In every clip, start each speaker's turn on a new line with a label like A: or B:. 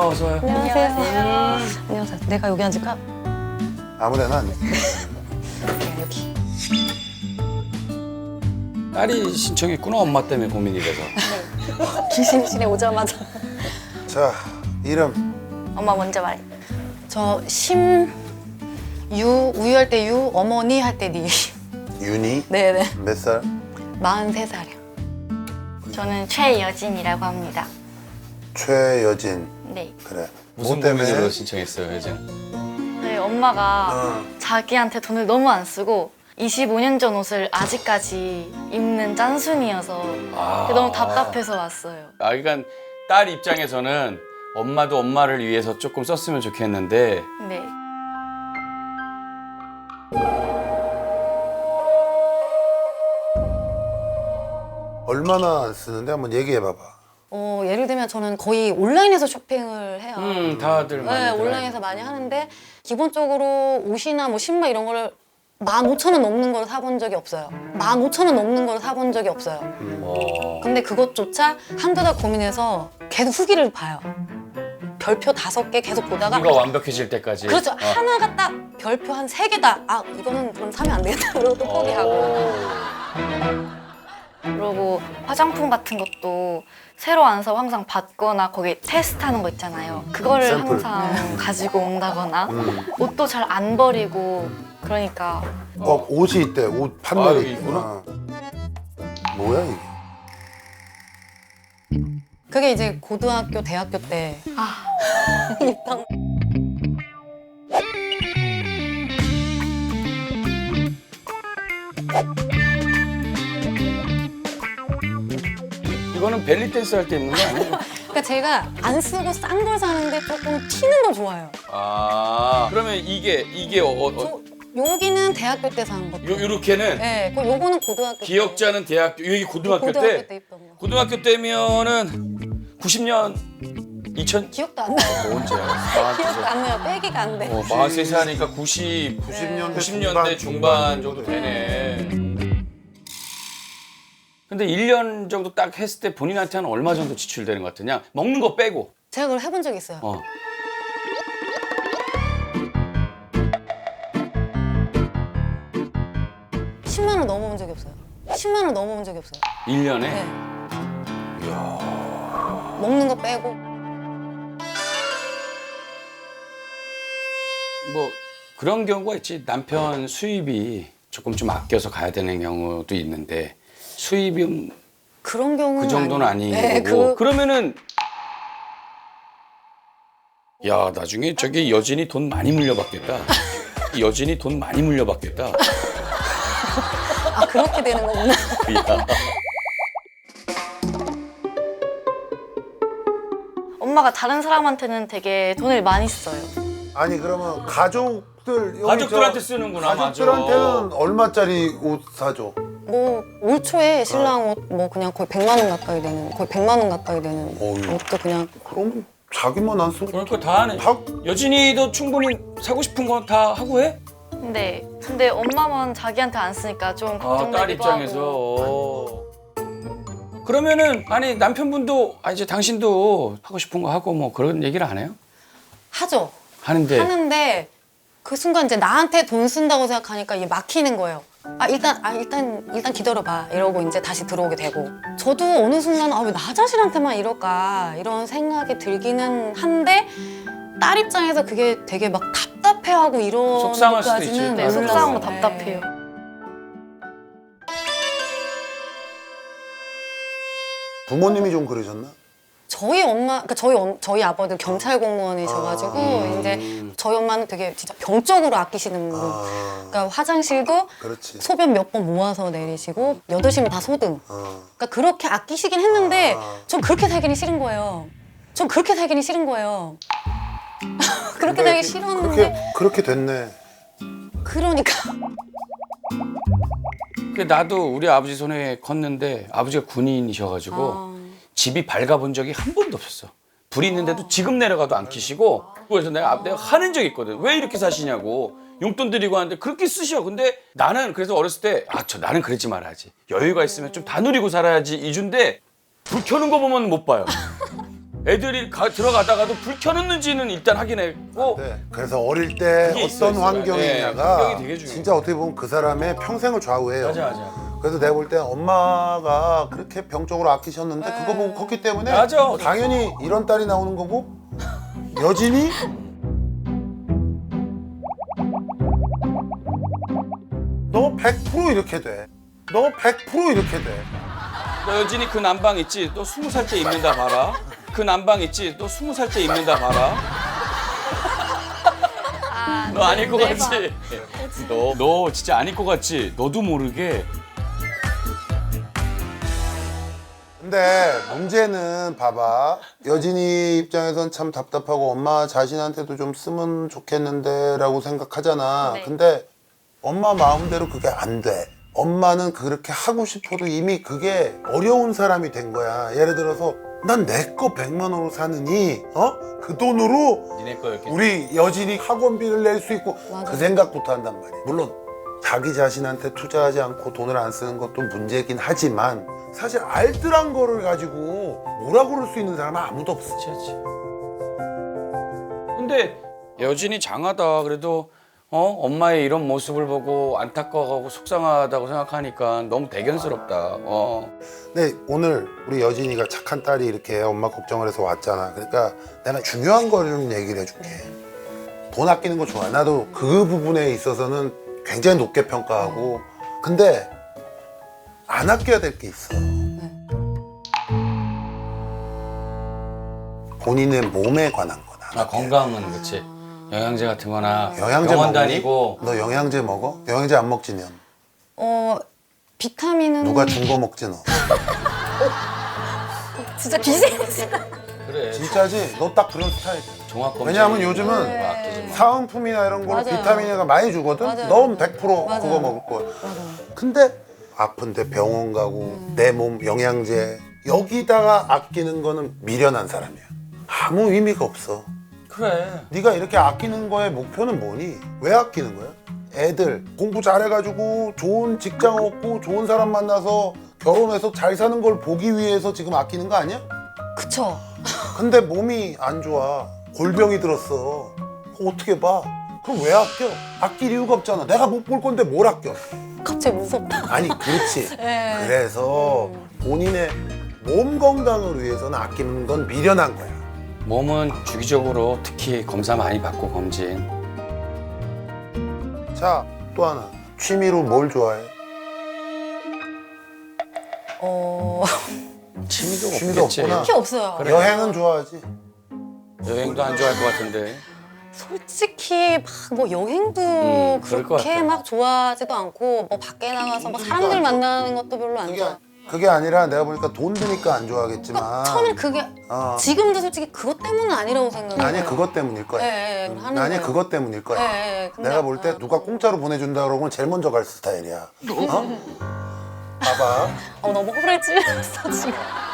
A: 어서 와요.
B: 안녕하세요. 안녕하세요. 내가 여기 앉을까?
C: 아무데나 앉아.
B: 여기.
A: 딸이 신청했구나. 엄마 때문에 고민이 돼서.
B: 기심실에 오자마자.
C: 자, 이름.
B: 엄마 먼저 말해. 저 심유 우유할 때 유, 어머니 할 때 니.
C: 윤희.
B: 네네.
C: 몇 살?
B: 43살이요.
D: 저는 최여진이라고 합니다.
C: 최여진.
D: 네.
C: 그래.
A: 무슨
C: 뭐 때문에?
A: 고민으로 신청했어요, 여진?
D: 저희 엄마가
C: 어.
D: 자기한테 돈을 너무 안 쓰고 25년 전 옷을 아직까지 입는 짠순이어서 너무 답답해서 왔어요.
A: 아, 그러니까 딸 입장에서는 엄마도 엄마를 위해서 조금 썼으면 좋겠는데
D: 네.
C: 얼마나 쓰는데 한번 얘기해 봐봐.
B: 예를 들면 저는 거의 온라인에서 쇼핑을 해요.
A: 다들 많이
B: 네,
A: 들어요.
B: 온라인에서 많이 하는데 기본적으로 옷이나 뭐 신발 이런 거를 15,000원 넘는 걸 사본 적이 없어요. 15,000원 넘는 걸 사본 적이 없어요. 근데 그것조차 한두 달 고민해서 계속 후기를 봐요. 별표 5개 계속 보다가
A: 이거 완벽해질 때까지.
B: 그렇죠. 하나가 딱 별표 한 3개다. 아, 이거는 그럼 사면 안 되겠다. 그러고 또 포기하고.
D: 그리고 화장품 같은 것도 새로 안 사고 항상 받거나 거기 테스트하는 거 있잖아요. 그거를
C: 샘플.
D: 항상 가지고 온다거나 옷도 잘 안 버리고 그러니까
C: 옷이 있대. 옷
A: 아,
C: 판넬이
A: 여기
C: 있구나. 뭐야 이게?
B: 그게 이제 고등학교, 대학교 때 입당.
A: 이거는 벨리 댄스 할 때 입는 거 아니에요?
B: 그러니까 제가 안 쓰고 싼 걸 사는데 조금 튀는 걸 좋아해요.
A: 아, 그러면 이게
B: 저 여기는 대학교 때 산 것.
A: 요렇게는
B: 네, 요거는 고등학교 때.
A: 기억자는 대학교, 여기 고등학교 때
B: 입던 거.
A: 고등학교 때면은 90년 2000
B: 기억도 안 나요.
A: 언제야?
B: 기억도 안 나요. 빼기가 안 돼.
A: 43세 하니까 90, 90년대 중반 정도 되네. 근데 1년 정도 딱 했을 때 본인한테는 얼마 정도 지출되는 것 같으냐? 먹는 거 빼고.
B: 제가 그걸 해본 적이 있어요.
A: 어.
B: 10만 원 넘어본 적이 없어요. 10만 원 넘어본 적이 없어요.
A: 1년에?
B: 네. 먹는 거 빼고.
A: 뭐 그런 경우가 있지. 남편 수입이 조금 좀 아껴서 가야 되는 경우도 있는데 수입이
B: 그런 경우는
A: 그 정도는
B: 아니에요.
A: 아니고
B: 네,
A: 그러면은 야 나중에 저기 여진이 돈 많이 물려받겠다. 여진이 돈 많이 물려받겠다.
B: 아, 그렇게 되는 거구나.
A: 야.
D: 엄마가 다른 사람한테는 되게 돈을 많이 써요.
C: 아니 그러면 가족들 여기
A: 가족들한테
C: 저
A: 쓰는구나.
C: 가족들한테는
A: 맞아.
C: 얼마짜리 옷 사줘?
B: 뭐 올 초에 신랑 옷 뭐 그냥 거의 100만 원 가까이 되는, 거의 100만 원 가까이 되는
C: 어휴.
B: 옷도 그냥.
C: 그럼 자기만 안 쓰고
A: 그러니까 다 하네.
C: 다
A: 여진이도 충분히 사고 싶은 거 다 하고 해?
D: 근데 엄마만 자기한테 안 쓰니까 좀
A: 아, 딸
D: 걱정되기도
A: 입장에서.
D: 하고.
A: 그러면은 아니 남편분도 이제 당신도 하고 싶은 거 하고 뭐 그런 얘기를 안 해요?
B: 하죠.
A: 하는데
B: 하는데 그 순간 이제 나한테 돈 쓴다고 생각하니까 이게 막히는 거예요. 일단 기다려봐 이러고 이제 다시 들어오게 되고, 저도 어느 순간 왜 나 자신한테만 이럴까 이런 생각이 들기는 한데 딸 입장에서 그게 되게 막 답답해하고 이런
A: 속상할 수도 있지.
B: 것까지는
A: 네,
D: 네, 속상하고
B: 몰랐어요.
D: 답답해요.
C: 부모님이 좀 그러셨나?
B: 저희 엄마, 그러니까 저희 아버들 경찰 공무원이셔가지고 이제 저희 엄마는 되게 진짜 병적으로 아끼시는 분.
C: 아,
B: 그러니까 화장실도
C: 그렇지.
B: 소변 몇 번 모아서 내리시고 8시면 다 소등.
C: 어.
B: 그러니까 그렇게 아끼시긴 했는데
C: 아.
B: 전 그렇게 살기는 싫은 거예요. 전 그렇게 살기는 싫은 거예요. 그렇게
C: 근데
B: 살기 싫었는데
C: 그렇게 됐네.
B: 그러니까
A: 그 나도 우리 아버지 손에 컸는데 아버지가 군인이셔가지고 집이 밝아본 적이 한 번도 없었어. 불이 있는데도 지금 내려가도 안 켜시고, 그래서 내가 하는 적이 있거든. 왜 이렇게 사시냐고. 용돈 드리고 하는데 그렇게 쓰셔. 근데 나는 그래서 어렸을 때 나는 그러지 말아야지. 여유가 있으면 좀 다 누리고 살아야지 이준데 불 켜는 거 보면 못 봐요. 애들이 들어가다가도 불 켜놓는지는 일단 확인했고
C: 네. 그래서 어릴 때
A: 그게
C: 어떤
A: 있어요,
C: 환경이냐가
A: 환경이 되게 중요해요.
C: 진짜 어떻게 보면 그 사람의 평생을 좌우해요.
A: 맞아.
C: 그래서 내가 볼 때 엄마가 그렇게 병적으로 아끼셨는데 그거 보고 컸기 때문에
A: 맞아.
C: 당연히 이런 딸이 나오는 거고 여진이 너 100% 이렇게 돼. 너 100% 이렇게 돼.
A: 너 여진이 그 난방 있지? 또 20살 때 입는다 봐라. 그 난방 있지? 또 20살 때 입는다 봐라. 너 안 입고 갔지? 너 진짜 안 입고 갔지? 너도 모르게.
C: 근데 문제는 봐봐. 여진이 입장에선 참 답답하고 엄마 자신한테도 좀 쓰면 좋겠는데 라고 생각하잖아.
D: 네.
C: 근데 엄마 마음대로 그게 안 돼. 엄마는 그렇게 하고 싶어도 이미 그게 어려운 사람이 된 거야. 예를 들어서 난 내 거 100만 원으로 사느니 그 돈으로
A: 니네 거 이렇게.
C: 우리 여진이 학원비를 낼 수 있고
B: 맞아.
C: 그 생각부터 한단 말이야. 물론 자기 자신한테 투자하지 않고 돈을 안 쓰는 것도 문제긴 하지만 사실 알뜰한 거를 가지고 뭐라 그럴 수 있는 사람은 아무도 없어.
A: 그렇지. 근데 여진이 장하다. 그래도 엄마의 이런 모습을 보고 안타까워하고 속상하다고 생각하니까 너무 대견스럽다.
C: 근데 오늘 우리 여진이가 착한 딸이 이렇게 엄마 걱정을 해서 왔잖아. 그러니까 내가 중요한 거를 좀 얘기를 해줄게. 돈 아끼는 거 좋아. 나도 그 부분에 있어서는 굉장히 높게 평가하고. 근데 안 아껴야 될 게 있어. 본인의 몸에 관한 거다.
A: 건강은 그렇지. 영양제 같은 거나
C: 영양제
A: 병원
C: 먹니?
A: 다니고.
C: 너 영양제 먹어? 영양제 안 먹지 넌?
B: 비타민은
C: 누가 준 거 먹지 너?
B: 진짜 비슷해.
A: 그래.
C: 진짜지? 너 딱 그런 스타일이야.
A: 종합
C: 왜냐하면 요즘은
B: 네.
A: 아끼지 마.
C: 사은품이나 이런 걸로
B: 맞아요.
C: 비타민을 많이 주거든?
B: 맞아요.
C: 넌 100%
B: 맞아요.
C: 그거 먹을 거야.
B: 맞아.
C: 근데 아픈데 병원 가고 내 몸 영양제 여기다가 아끼는 거는 미련한 사람이야. 아무 의미가 없어.
A: 그래.
C: 네가 이렇게 아끼는 거의 목표는 뭐니? 왜 아끼는 거야? 애들 공부 잘해가지고 좋은 직장 얻고 좋은 사람 만나서 결혼해서 잘 사는 걸 보기 위해서 지금 아끼는 거 아니야?
B: 그쵸.
C: 근데 몸이 안 좋아. 골병이 들었어. 그거 어떻게 봐? 그럼 왜 아껴? 아낄 이유가 없잖아. 내가 못 볼 건데 뭘 아껴?
B: 갑자기 무섭다.
C: 아니 그렇지.
B: 네.
C: 그래서 본인의 몸 건강을 위해서는 아끼는 건 미련한 거야.
A: 몸은 주기적으로 특히 검사 많이 받고 검진.
C: 자, 또 하나. 취미로 뭘 좋아해?
A: 취미도
C: 취미도
A: 없겠지.
C: 없구나.
B: 딱히 없어요.
A: 그래.
C: 여행은 좋아하지?
A: 여행도 안 좋아할 것 같은데.
B: 솔직히 막 뭐 여행도
A: 그럴 것
B: 그렇게
A: 같아.
B: 막 좋아하지도 않고 뭐 밖에 나가서 뭐 사람들 만나는 것도 별로 안
C: 그게,
B: 좋아.
C: 그게 아니라 내가 보니까 돈 드니까 안 좋아하겠지만
B: 처음엔 그게 지금도 솔직히 그것 때문은 아니라고 생각해요.
C: 아니 그것 때문일 거야.
B: 예, 하는
C: 아니
B: 거예요.
C: 그것 때문일 거야.
B: 예, 근데
C: 내가 볼 때 누가 공짜로 보내준다 그러면 제일 먼저 갈 스타일이야. 봐봐.
B: 너무 호를 찔렀어 지금.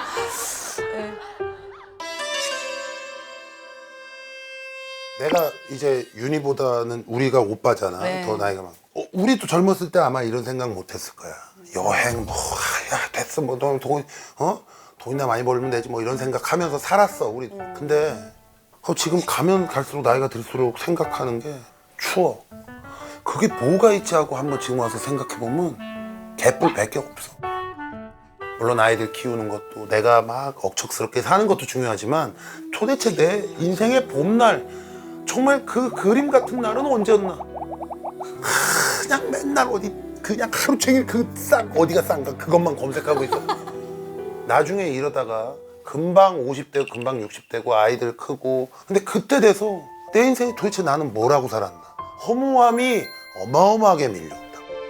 C: 내가 이제 윤희보다는 우리가 오빠잖아.
B: 네.
C: 더 나이가 많고. 우리도 젊었을 때 아마 이런 생각 못 했을 거야. 여행 뭐, 야, 됐어. 뭐, 돈이나 많이 벌면 되지. 뭐 이런 생각하면서 살았어. 우리. 근데 지금 가면 갈수록 나이가 들수록 생각하는 게 추억. 그게 뭐가 있지 하고 한번 지금 와서 생각해보면 개뿔 100개 없어. 물론 아이들 키우는 것도 내가 막 억척스럽게 사는 것도 중요하지만 도대체 내 인생의 봄날 정말 그 그림 같은 날은 언제였나? 그냥 맨날 어디 그냥 하루 종일 어디가 싼가 그것만 검색하고 있어. 나중에 이러다가 금방 50대고 금방 60대고 아이들 크고 근데 그때 돼서 내 인생이 도대체 나는 뭐라고 살았나? 허무함이 어마어마하게 밀려온다.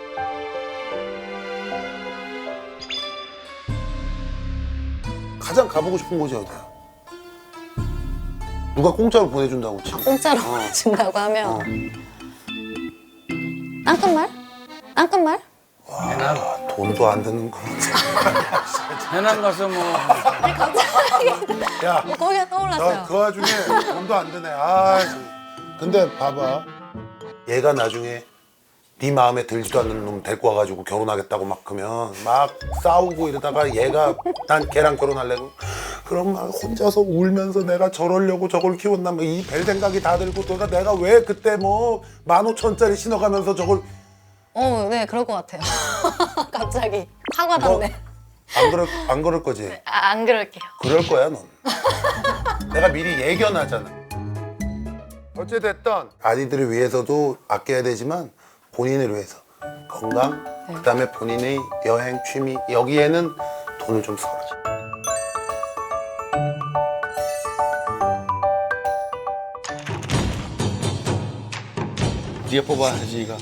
C: 가장 가보고 싶은 곳이 어디야? 누가 공짜로 보내준다고 치고.
B: 공짜로 준다고 하면 땅끝말? 땅끝말?
C: 와, 돈도 안 드는 거.
A: 해남 가서 뭐
C: 야,
B: 거기가 떠올랐어요.
C: 그 와중에 돈도 안 드네. 아, 근데 봐봐. 얘가 나중에 네 마음에 들지도 않는 놈 데리고 와가지고 결혼하겠다고 막 그러면 막 싸우고 이러다가 얘가 난 걔랑 결혼하려고 그럼 막 혼자서 울면서 내가 저러려고 저걸 키웠나 뭐 이 별 생각이 다 들고 내가 왜 그때 뭐 15,000원짜리 신어가면서 저걸
B: 네, 그럴 것 같아요. 갑자기 확 와닿네.
C: 안 그럴 거지?
D: 안 그럴게요.
C: 그럴 거야 넌. 내가 미리 예견하잖아. 어찌됐든 아이들을 위해서도 아껴야 되지만 본인을 위해서 건강, 그다음에 본인의 여행, 취미 여기에는 돈을 좀 써야지.
A: 네가 뽑아 하지가.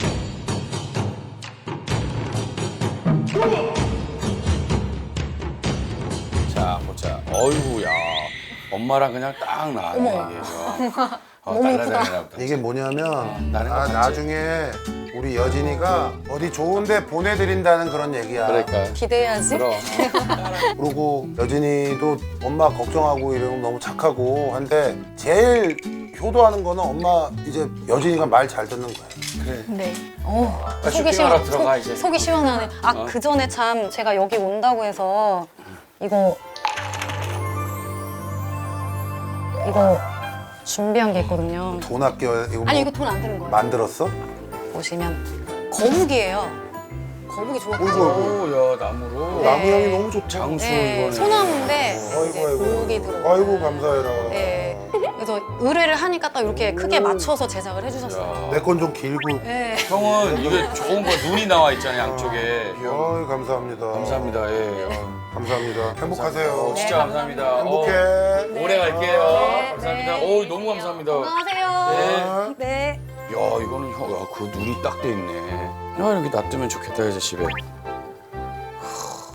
A: 자 보자. 어이구야. 엄마랑 그냥 딱 나왔네 이게.
B: 너무
A: 달라다니나 보다.
C: 이게 뭐냐면
A: 나는 봤지.
C: 나중에 우리 여진이가 어디 좋은데 보내드린다는 그런 얘기야.
A: 그러니까.
B: 기대해야지.
A: 그럼.
C: 그리고 여진이도 엄마 걱정하고 이러면 너무 착하고 한데 제일 효도하는 거는 엄마 이제 여진이가 말 잘 듣는 거야.
A: 그래.
D: 네.
B: 속이
A: 쇼핑하러 들어가, 이제.
B: 속이 시원하네. 아,
A: 어.
B: 그 전에 참 제가 여기 온다고 해서 이거 준비한 게 있거든요.
C: 돈 아껴 이거
B: 아니
C: 뭐
B: 이거 돈 안 드는 거예요.
C: 만들었어?
B: 보시면 거북이에요. 거북이 좋아하죠.
A: 오야 나무로.
B: 네.
C: 나무 향이 너무 좋다.
A: 장수
B: 네,
A: 이거는.
B: 소나무인데 이제
C: 아이고
B: 거북이 들어.
C: 아이고 감사해라.
B: 네. 그래서 의뢰를 하니까 딱 이렇게 크게 맞춰서 제작을 해주셨어요.
C: 내 건 좀 길고.
B: 네.
A: 형은 이게 좋은 거 눈이 나와 있잖아요 양쪽에.
C: 아이 감사합니다.
A: 감사합니다. 예.
C: 감사합니다. 행복하세요.
A: 진짜 감사합니다.
C: 행복해.
A: 오래 갈게요.
B: 네.
A: 감사합니다.
B: 네.
A: 오 너무 감사합니다.
B: 안녕하세요. 네.
A: 야 이거는 형, 야, 그 눈이 딱 돼 있네. 야 이렇게 놔두면 좋겠다 이제 집에.